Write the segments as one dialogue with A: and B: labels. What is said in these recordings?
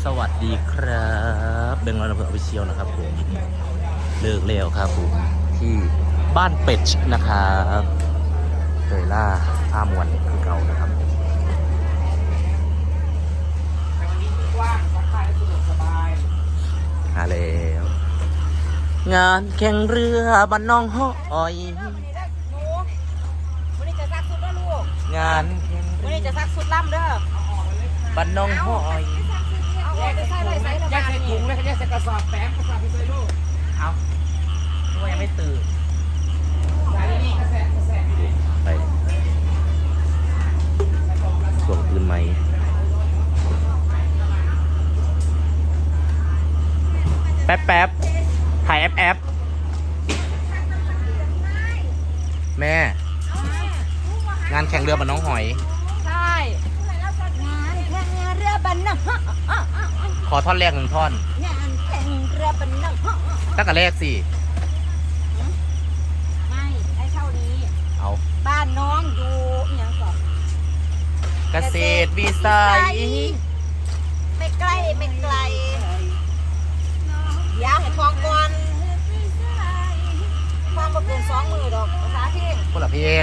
A: สวัสดีครับเบงลอนอำเภออภิเชียวนะครับผมเลิกเร็วครับผมที่บ้านเป็ดนะครับเตยล่าท่ามวนคือเก่านะครับมาแล้วงานแข่งเรือบ้านน้องห้อยงานแข่ง
B: วันนี้จะซักสุดล่ำเด้อ
A: บ้านน้องห้อย
B: เอาออกไปใส่ไรใส่ระ
C: แย
B: บาก ด
C: ใส่
B: นี่
C: ถุงแล้วก็แยกใส่กระสอบแป้งกระสอบที่ใส่ลูก
A: เอาตัวยังไม่ตื่น
C: ใส่นี่กระแสกระแส
A: ไปส่วงตื่นไหมแป๊บแป๊บถ่ายแอปแม่งานแข่งเรือบ้านน้องหอย
B: ใช่งานแข่งเรือบันนัง
A: ขอท่อนแรกหนึ่งท่อน
B: งานแข่งเรือบันนัง
A: ตั้งแต่แรกสิ
B: ไม่ได้เท่านี้
A: เอา
B: บ้านน้องอยู่อหย่างก่อน
A: เกษตรวิสัย
B: ไม่ใกล้ไม่ไกลอยากให้ทองก่อนทองมาเกิน20,000ดอกภาษาที่
A: คนละเพลง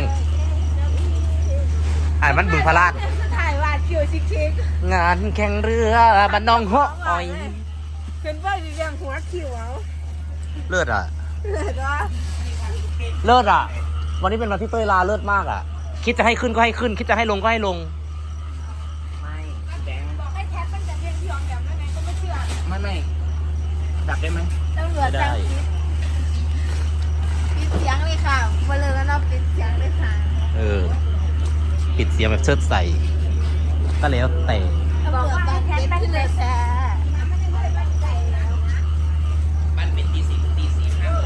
A: อ่านมันบึงพระราช
B: ถ่ายวาดคิวชิค
A: งานแข่งเรือบ้านน้องหอย
B: ๆเป็นว่าอยู่อย่างหัวคิวเอา
A: เลิศอ่ะ
B: เลยก็
A: เลิศอ่ะ วันนี้เป็นวันที่เต้ยลาเลิศมากอ่ะ คิดจะให้ขึ้นก็ให้ขึ้น คิดจะให้ลงก็ให้ลง
C: ไม่แดง
B: บอกให้แท็กมันจะเรียนที่ยอมแบบนั้นไงก็ไม่เชื่อ
C: ไม่ดับได้ไหม
B: ตำรวจสั่งปิดเสียงเลยค่ะมาเลยแล้วเนาะปิดเสียงเลยค่ะ
A: เออ ปิดเสียงแบบเชิดใส่ ก็แล้วแต่
B: บอกว่าแท็กมันเลยแซ่
C: มันเป็นตีสี่ตีสี่ห้าเลย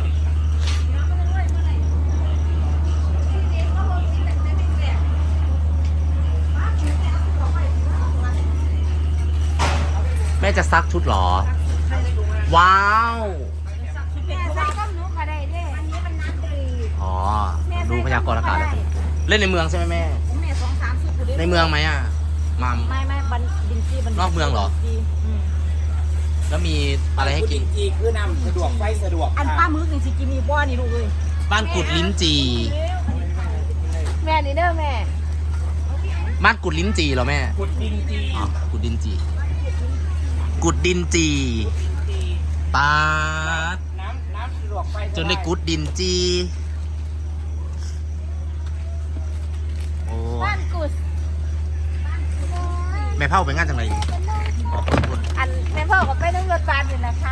A: แม่จะซักชุดเหรอ ว้าว
B: แม่ซักก็หนูก็ได้เด้อันนี้มันนัดดี
A: อ๋อ ดูพยากรณ์อากาศแล้วเล่นในเมืองใช่ไหมแม่
B: แม่2-3สุด
A: ในเมืองไหมอ่ะ มัม
B: ไม่บันดินจี้บัน
A: นอกเมืองเหรอ แล้วมีอะไรให้กิน
C: จีคือนำสะดวกไฟสะดวก
B: อันป้ามึกนี่สิกินมีบ้อนี่ลูกเลย
A: บ้านกุดลิ้นจี
B: แม่นี่เด้อแม่
A: บ้านกุดลิ้นจีเหรอแม่
C: ขุดดินจี
A: อ๋อกุดดินจี กุดดินจีปาด
C: น้ำสะดวกไฟ
A: จนได้กุดดินจีโอ้
B: บ้านกุด
A: แม่เผาไปงานจังไรอ๋อคน
B: อันแม่พ่อก็ไปนั่งรถบัสอยู่นะคะ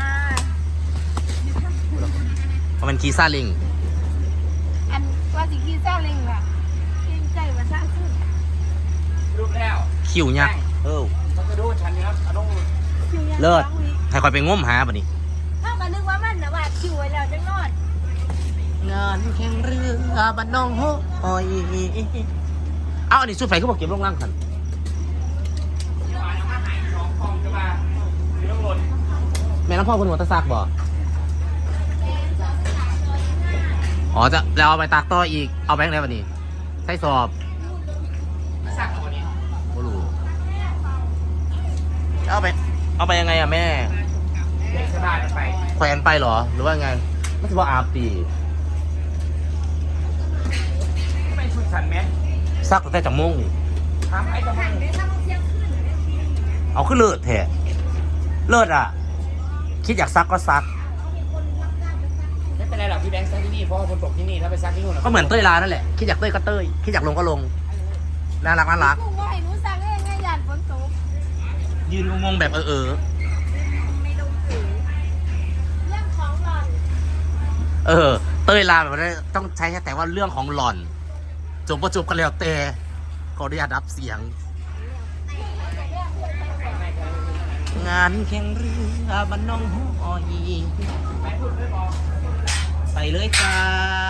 A: เพราะมันคีซ่าลิง
B: อันว่าสิขี่ซาเล้งอ่ะเกรงใจมาซะขึ้น
C: รูปแล้ว
A: คิวยักษ์เออ
C: มันจะดูฉันเนี่ยเอาต้อง
B: คิวยัง
A: เลิศ
B: สองวิ
A: ให้คอยไปง้มหาป่ะนี่
B: ถ้าก็นึกว่ามันนะว่าคิวไว้แล้วจังนอน
A: งานแข่งเรือบ้านน้องห้อยเอาอันนี้สุดไฟเขาบอกเก็บลงล่างกัน
C: เอามาหาย2 ฟองจะมาอยู่ข้างบน
A: แม่น้ำพ่อคุณหัวตะซักบ่อ๋อจะแล้วเอาไปตากต่ออีกเอาแบงค์ได้ป่ะนี่ใส่สอบ
C: มาสักตัวนี้
A: ไม่รู้เอาไปยังไงอะแม่
C: เด็กสบายไป
A: แขวนไปเหรอหรือว่าไงไม่ใช่ว่าอาบตี
C: ไม่ชุดฉันแม่
A: ซักตั้งแต่จากโมงนี่
C: ทำไอ้ตะมัน
A: เอาขึ้นเลิศแท้เลิศอ่ะ คิดอยากซักก็ซัก
C: ไม่เป็นไรหรอกพี่แบงค์ซักที่นี่เพราะว่าฝนตกที่นี่ถ้าไปซักที่นู่น
A: ก็เหมือนเต้ยลานั่นแหละคิดอยากเต้ยก็เต้ยคิดอยากลงก็ลงน่ารักน่ารัก
B: กูว่าให้หนูสั่งได้ยังไงยานฝนตก
A: ยืนงงๆแบบ
B: ไม่ต้องถือเรื่องของหล่อน
A: เต้ยลาแบบนี้ต้องใช้แต่ว่าเรื่องของหล่อนจบประจบกันแล้วแต่ขออนุญาตรับเสียง งานแข่งเรือบ้านน้องหอยไปเลยจ้า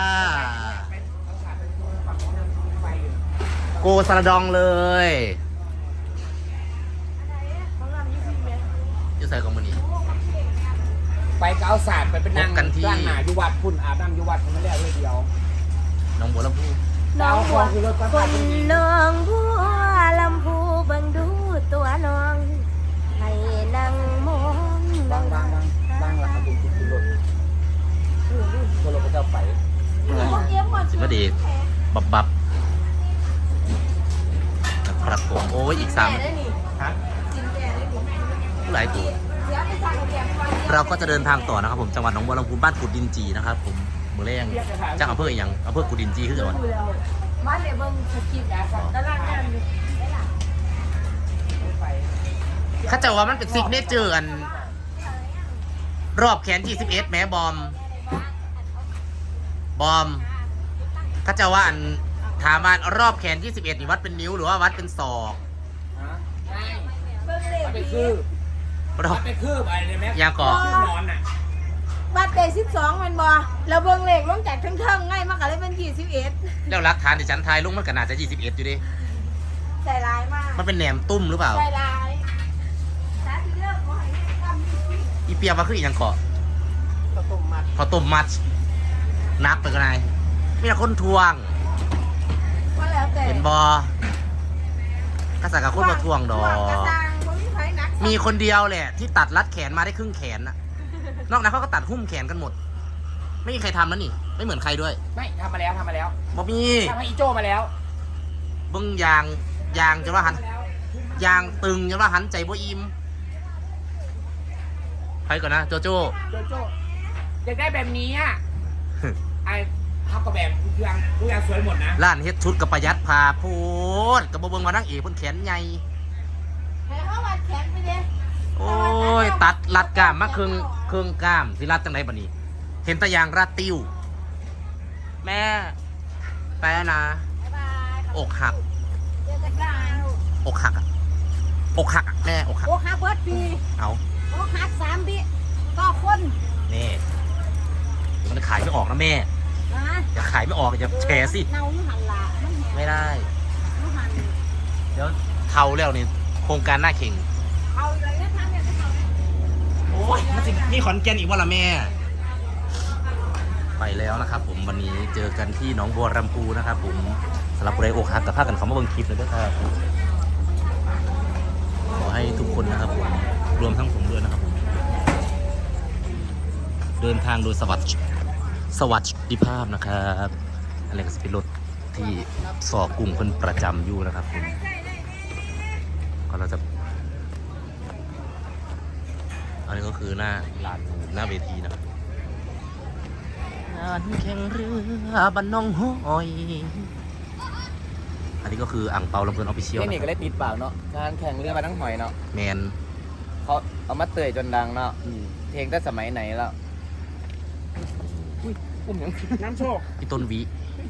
A: โกสระดองเลยจะใส่ของมันนี่
C: ไปเก้าศาสตร์ไปเป็นนาง
A: พบกันที่
C: ร้านหนาอยู่วัดพุ่นอาบน้ำอยู่วัดผมไม่ได้เลยเดียว
A: น้องบัวลำพู
B: น้องบัว
C: คือรถกระ
B: ค
C: บะ
B: นน้องบัวลำพูเบิ่งดูตัวน้อง ให้นั่ง
A: บับนะครับผมโอ้ยอีก
B: แก่ได้นี่
A: ฮะ
B: กินแก่ได้นี่
A: หลายตัว
B: เดี๋ยวไปสั่งกับแกก่อน
A: เราก็จะเดินทางต่อนะครับผมจังหวัดหนองบัวลำพูบ้านกุดดินจีนะครับผมมือแรงจากอำเภออีกอย่างอำเภอกุดดินจีคือจังหวัด
B: ดูแล้วมาเดี๋ยวเบิ่งสกิปตารางงานอยู่ได้ล่ะ
A: เข้าใจว่ามันเป็นซิกเนเจอร์อันรอบแขนG11แม้บอมเข้าใจว่าอันถามว่ารอบแขน21นี่วัดเป็นนิ้วหรือว่าวัดเป็นศอก
C: ใช่
B: เบิ่งเลข
C: มันเป็น
B: ดี
C: คืบ
A: รอ
C: มั
A: บ
C: นเป็นคืบอะไรเนี่ยแม่
A: ยาก่อ
C: คืบนอนน่ะ
B: บัตรเดย์12มันบ่เราเบิ่งเลขลงจากเทิงๆง่ายมากก็เลยเป็น21
A: แล้วรักฐานที่ฉันทายลงมันก็น่าจะ21อยู่ดิ
B: ใจร้ายมาก
A: มันเป็นแหนมตุ้มหรือเปล่า
B: ใจร้ายสาธุเลิกบ่ให้แม่กำนี่
A: อีเปียว่าคืออีหยังเกาะ
C: ข้าวต้มมัด
A: พอต้มมัดนักไปก็ไงมีแต่คนทวง
B: ว่าแล้วแต่
A: เห็นบอกระสักกับคนมาทวงดอก
B: กระซังบ่มีไผหนัก
A: มีคนเดียวแหละที่ตัดรัดแขนมาได้ครึ่งแขนน่ะ นอกนั้นเขาก็ตัดหุ้มแขนกันหมด ไม่มีใครทำแล้วนี่ ไม่เหมือนใครด้วย
C: ไม่ทำมาแล้ว
A: บอมี
C: ทำให้อีโจมาแล้ว
A: เบิ้งยางจะว่าหันยางตึงจะว่าหันใจบ่อิ่มไปก่อนนะโจโจ้
C: โจอยากได้แบบนี้อ่ะ ไอ้ทับกับแบบทุกอย่างสวยหมดนะ
A: ร้านเฮ็ดชุดกับประหยัดพาโพดกับบ่เบิ่งว่านั่งเอกเพิ่นแขนใหญ่
B: ให้เขาวัดแขนไปเด้
A: โอ้ยตัดรัดกล้ามมาครึ่งกล้ามสิรัดจังไดบัดนี้ เห็นแตะยางรัดติ้วแม่ไปแล้วนะ
B: บ๊ายบายครับ
A: อกหัก
B: เจอกันได้
A: อกหักอะอกหักอะแม่อกหัก
B: โอ้ฮักเบิดปี
A: เอา
B: โอ้ฮัก3ปีต่อคน
A: นี่เดี๋ยวมันขายไม่ออกนะแม่
B: นะ
A: อย่าขายไม่ออกอย่าแชร์สิ
B: เนาอยู่หันละมันแหง
A: ไม่ได้
B: อยู่หัน
A: เดี๋ยวเทาแล้วนี่โครงการหน้าเข่ง
B: เอาเลยนะคะเนี่ยจะเอา
A: โอ้ยมันสิมีขอนแก่นอีกว่าละแม่ ไปแล้วนะครับผมวันนี้เจอกันที่หนองบัวลำพูนะครับผมสำหรับผู้ใดอกหักกับภาคกันเขามาเบิ่งคลิปเลยด้วยครับขอให้ทุกคนนะครับผมรวมทั้งผมด้วยนะครับผมเดินทางโดยสวัสดิภาพนะครับอะไรก็จะเป็นรถที่สอกกลุ่มคนประจำอยู่นะครับผมก็เราจะอันนี้ก็คือหน้าลานหน้าเวทีนะครับงานแข่งเรือบ้านน้องห้อย อันนี้ก็คืออ่างเปาลำเพลินออฟฟิเชียล
C: เทคนิคก็ได้ติดปากเนาะการแข่งเรือมาทั้งหอยเนาะ
A: แมน
C: เขาเอามาเตยจนดังเนาะเพลงตั้งสมัยไหนแล้วอุ้มยังน้ำโชค
A: พี่ต้นวิ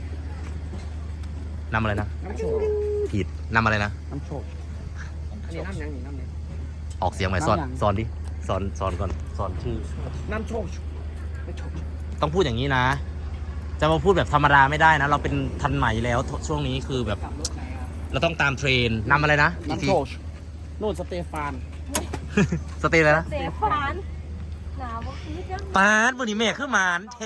A: นำอะไรนะ
C: น้ำโชค
A: ผิดนำอะไรนะ
C: น้ำโชคอันนี้น้ำยังนี่น้ำยัง
A: ออกเสียงใหม่สอนดิสอนก่อนสอนชื่อ
C: น้ำโชคไม่โชค
A: ต้องพูดอย่างนี้นะ จะมาพูดแบบธรรมดาไม่ได้นะ เราเป็นทันใหม่แล้วช่วงนี้คือแบบ
C: ขับรถไหนครับ
A: เราต้องตามเทรนนำอะไรนะอีกที
C: น้ำโชคนู่นสเตฟาน
A: สเตย์เลยนะ
B: เสฟานหนาวบ่คือจัง
A: ปาดวันนี้แม่ขึ้นมานเท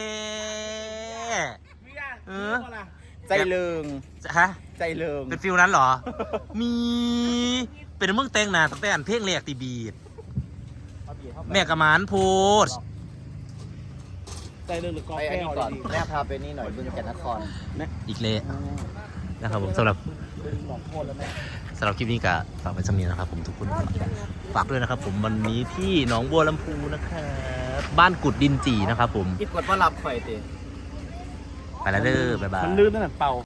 A: เออ
C: ใจเลิง
A: ฮะ
C: ใจเลิง
A: เป็นฟิลนั้นเหรอ มีเป็นมึงแต่งหน้าตั้งแต่อันเพลงแรกตีบีดแม่กระมานโพส
C: ใจเลิงหรือกอแก้วก่อนแม่พาไปนี่หน่อยบึงแก่นนคร
A: อีกเละนะครับผมสำหรับ
C: หลอกโทษแล้วแม่
A: สำหรับคลิปนี้ก็ฝากไว้สำเนียงนะครับผมทุกคนฝากด้วยนะครับผมวันนี้ที่หนองบัวลำพูนะครับบ้านกุดดินจีนะครับผม
C: คิดกดว่ารับข่อยตี
A: ไปแล้วเด้อบ๊ายบาย
C: มันลื่นตั้งแต่เป่า